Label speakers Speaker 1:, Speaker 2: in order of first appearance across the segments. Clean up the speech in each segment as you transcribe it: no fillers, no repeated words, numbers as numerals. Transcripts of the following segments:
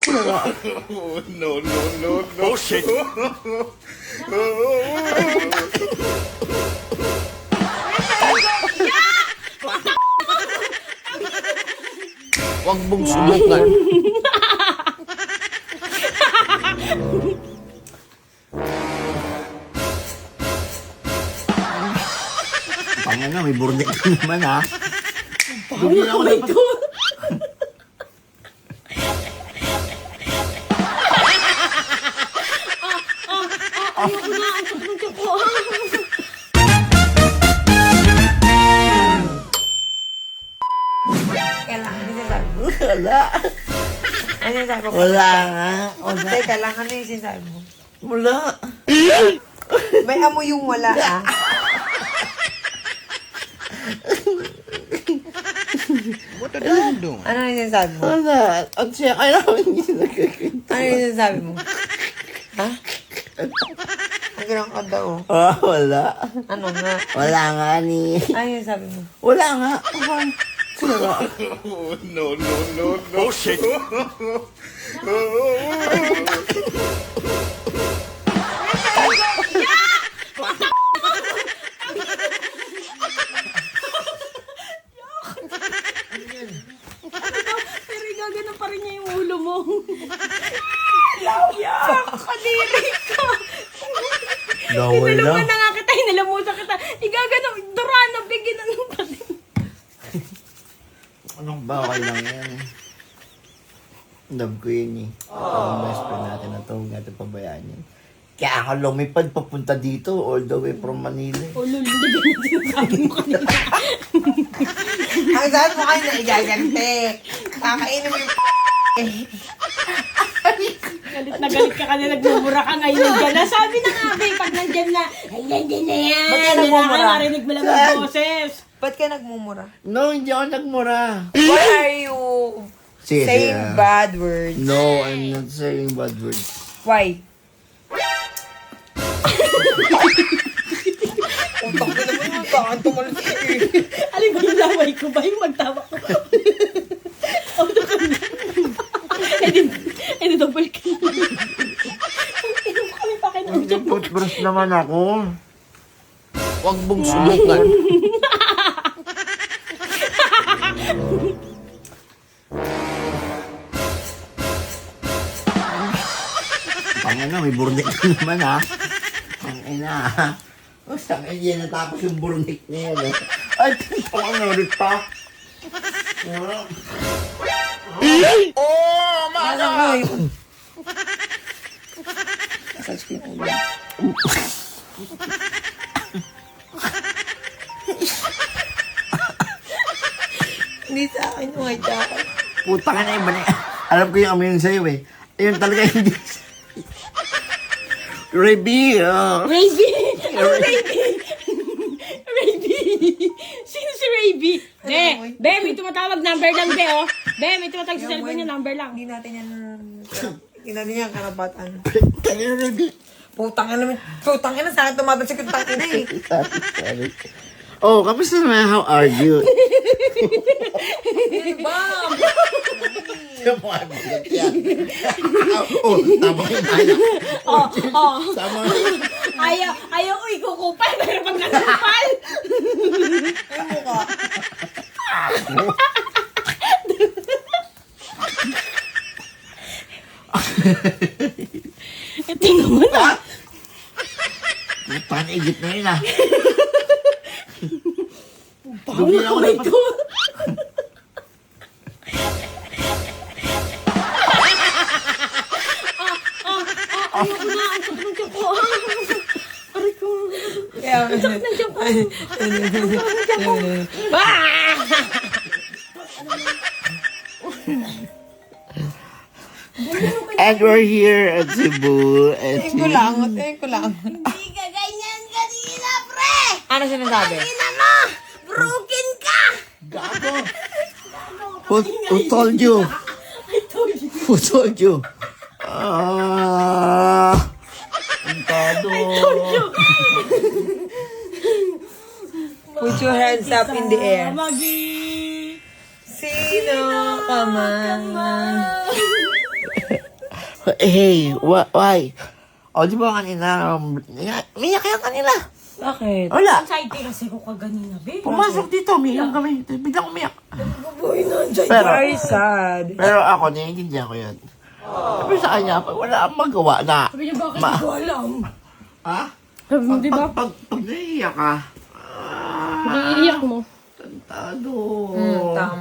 Speaker 1: Oh, no, no, no, no.
Speaker 2: Oh, shit.
Speaker 3: Huwag mong subukan. Pangina, may burnik ka naman ha. Dumi ako dapat.
Speaker 4: Ayoko na, ang sakit ng tiyan ko.
Speaker 5: Kailangan din sinasabi mo.
Speaker 3: Wala.
Speaker 5: Ano yung sabi ko?
Speaker 3: Wala nga. Wala.
Speaker 5: Teka lang, ano yung sinasabi mo?
Speaker 3: Wala.
Speaker 5: May amoy yung wala, ah.
Speaker 1: What are you doing?
Speaker 5: Ano yung sinasabi mo?
Speaker 3: Wala. At siya, kailangan niya nagkakita.
Speaker 5: Ano yung sinasabi mo? Ha? Ang ganang ka daw.
Speaker 3: Wala.
Speaker 5: Ano nga?
Speaker 3: Wala nga ni.
Speaker 5: Ano yung sabi mo?
Speaker 3: Wala nga. Wala.
Speaker 1: Oh, no, no, no, no.
Speaker 2: Oh, shit.
Speaker 4: Pero gagano pa rin niya yung ulo mo. Yak! Kadiri ka! Hinalaman na nga kita, hinalamusan kita. Igagano, Dorana, bigyan ng pati.
Speaker 3: Anong ba? Okay lang yan. Love ko yun eh. Ang best friend natin na ito. Huwag natin pabayaan yan. Kaya ako lumipad papunta dito all the way from Manila.
Speaker 4: O lul, hindi na sinasabi mo kanina.
Speaker 5: Ang sabi mo kayo na igagante. Kakainin mo yung
Speaker 4: Galit na galit ka kanina, nagmumura ka ngayon nandiyan na. Sabi na nga, babe, pag nandiyan na, ay, nandiyan na yan.
Speaker 5: Ba't ka
Speaker 4: Hindi na
Speaker 5: nagmumura?
Speaker 4: kayo marinig mo lang ang boses.
Speaker 5: Ba't ka nagmumura?
Speaker 3: No, hindi ako nagmura.
Speaker 5: Why are you
Speaker 3: Sige,
Speaker 5: saying
Speaker 3: sige.
Speaker 5: bad words?
Speaker 3: No, I'm not saying bad words.
Speaker 5: Why? Utang ka naman yung taan tumalas ka eh.
Speaker 4: Alin ba yung laway ko ba? Yung magtawa ko. Auto ka na. Eh, di double ka na. Inom kami pa kayo ng joke.
Speaker 3: Toothbrush naman ako. Huwag mong subukan. Pangina, may burnik ka naman ha. Pangina ha. O, saan yan natapos yung burnik niya yan. Ay, pangina ulit pa.
Speaker 1: Oh, my
Speaker 5: Ano ko yun? Massage ko yung ulo. Hindi sa akin yung white jacket.
Speaker 3: Puta ka na iba na. Alam ko yung amoy yun sa'yo eh. Ayun talaga hindi. Reby,
Speaker 4: Raby! Ano Raby? Raby! Sino si Raby? Be, may tumatawag number lang, be, oh. Be, may tumatawag sa cellphone niya, number lang.
Speaker 5: Hindi natin yan karapatan.
Speaker 3: Kaya Reby.
Speaker 5: Putang ina naman. Putang ina, saan tumatalsik yung tangina eh.
Speaker 3: Sorry. Oh, kamusta naman? How are you?
Speaker 5: Bam!
Speaker 3: Sumagot yan. Oh, tama yung anak.
Speaker 4: Oh.
Speaker 3: Tama.
Speaker 4: Ayaw, uy, kukupal, pero pag nakupal.
Speaker 5: Ang mukha.
Speaker 4: Ito naman, ah.
Speaker 3: Panigit na yun ah.
Speaker 4: Paano
Speaker 3: Dumi ako
Speaker 4: kamay
Speaker 3: dapat.
Speaker 4: ko? Ayoko na, ang sakit ng tiyan ko. Aray ko.
Speaker 5: Kaya,
Speaker 4: Ang sakit ng tiyan ko. Ang sakit ng tiyan ko. Ah!
Speaker 3: And we're here at Cebu. At
Speaker 5: tingin ko lang. Tingin ko lang.
Speaker 4: Hindi ka ganyan kanina, pre!
Speaker 5: Ano sinasabi?
Speaker 4: Kanina mo! Broken ka!
Speaker 3: Gago. Who told you?
Speaker 4: I told you.
Speaker 3: Who told you? Ang tado.
Speaker 5: Put your hands up in the air.
Speaker 4: Magi!
Speaker 5: Sino ka man?
Speaker 3: Hey, why? O, di ba kanina, umiyak yan kanila.
Speaker 5: Bakit?
Speaker 3: Wala.
Speaker 4: Anxiety kasi ko kaganina, be.
Speaker 3: Pumasok dito, umiyak kami. Biglang umiyak.
Speaker 4: Boy, nandiyan.
Speaker 3: Pero,
Speaker 5: Very sad.
Speaker 3: pero ako, naiintindihan ko yun. Sabi sa kanya, wala akong magawa na.
Speaker 4: Sabi niya, bakit hindi ko alam?
Speaker 3: Ha?
Speaker 4: Sabi mo, di ba?
Speaker 3: Pag naiiyak ka,
Speaker 4: Naiiyak mo.
Speaker 3: tantado.
Speaker 5: Tama.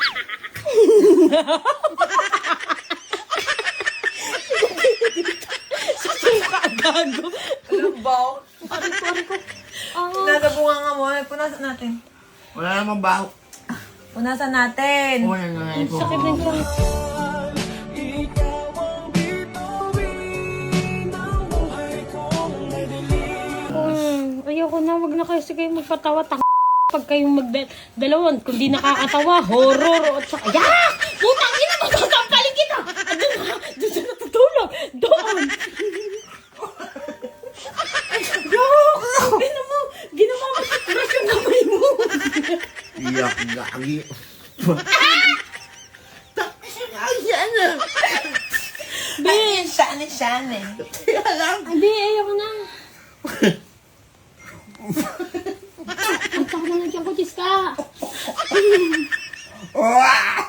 Speaker 4: Gago.
Speaker 5: Alam ba?
Speaker 4: Pari ko.
Speaker 5: Nasa bunga nga mo. Punasan natin.
Speaker 3: Wala namang baho.
Speaker 5: Punasan natin.
Speaker 3: Wala na nga ito.
Speaker 4: Sakit ng tiyan. Ayoko na, wag na kayo sige magpatawa. Pag kayong magdalawan, kung di nakakatawa, horror, at saka, yak! Putang ina mo, sasampalin kita! Doon siya natutulog! Doon! Ginawa mo, crush yung kamay mo!
Speaker 3: Iyak, gagi. Tapos yung ayan na.
Speaker 4: Be,
Speaker 5: Shane.
Speaker 4: Be, ayoko na. Ang sakit na nandiyan ko, Chiska!
Speaker 3: Wow!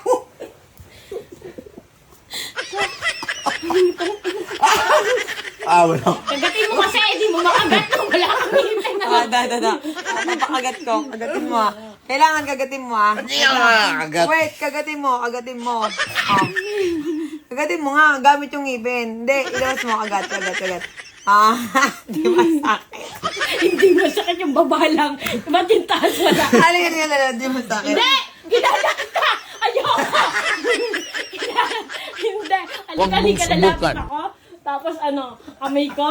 Speaker 3: Wala.
Speaker 4: Kagatin mo kasi, di mo makagat na wala kang hihintay na.
Speaker 5: Da. Napakagat ko. Kagatin mo ah. Kailangan kagatin mo ah.
Speaker 3: Hindi ka makakagat.
Speaker 5: Wait, kagatin mo. Ah. Kagatin mo nga. Gamit yung ngipin. Hindi, ilabas mo. Kagat. Ah, di ba sakit?
Speaker 4: Hindi masakit yung baba lang. Ba't yung taas wala?
Speaker 5: Halika, di mo sakit.
Speaker 4: Hindi! Kilala kita! Ayoko! Hindi. Halika, lalapit ako. Tapos kamay ko.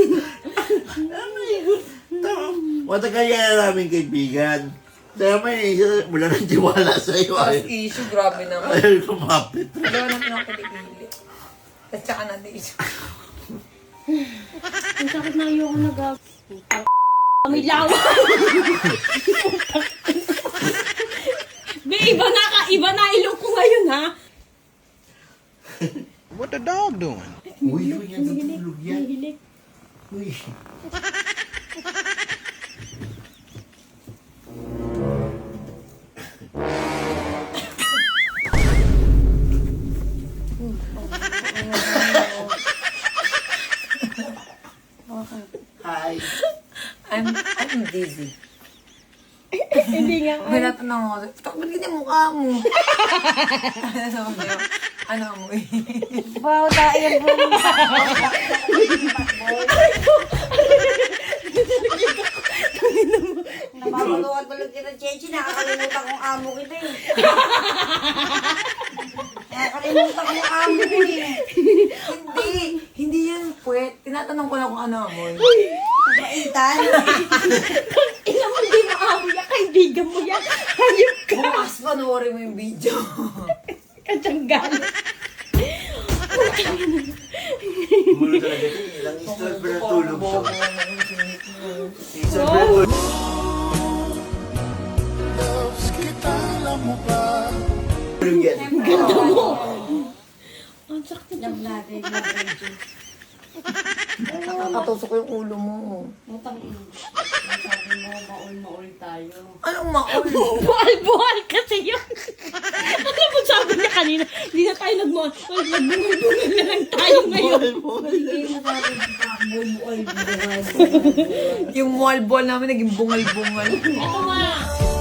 Speaker 3: Matagal yan na namin kaibigan. Dahil may wala nang tiwala sa iyo.
Speaker 5: Issue, grabe naman.
Speaker 3: Ayaw kumapit.
Speaker 5: Dalawa natin ako kilikili. At saka natin issue.
Speaker 4: Ang sakit na ayoko nag- May lawa. Be, iba na ilong ko ngayon, ha?
Speaker 1: What the dog doing?
Speaker 3: Uy, yan natulog yan.
Speaker 4: Hilik.
Speaker 3: Uy. Hi.
Speaker 5: I'm dizzy.
Speaker 4: Hindi nga.
Speaker 5: Tinatanong ako, ba't ganyan mukha mo? Ano mo eh? Wow, tayo po. Napapagawa tulog kita, Chechi. Nakakalimutan kong amo kita eh. Nakakalimutan kong amo eh. Hindi yan puwet. Tinatanong ko lang kung ano mo. Kaitan?
Speaker 4: Ina mo, hindi mo amo yan. Kaibigan mo yan. Hayop ka.
Speaker 5: Bukas panoorin mo yung video.
Speaker 4: Katsanggal.
Speaker 3: Umulo talaga ito. Ilang istorbo na tulog siya.
Speaker 4: Oh.
Speaker 3: Tulog yan.
Speaker 4: Ganda mo. Ang sakit na.
Speaker 5: Nakakatusok ko yung ulo mo. Anong maul?
Speaker 4: Buhal-buhal kasi yun. Ano mo sabi niya kanina? Hindi na tayo nagbungal-bungal na lang tayo ngayon.
Speaker 5: Yung wall ball namin naging bungal-bungal.
Speaker 4: Ito nga.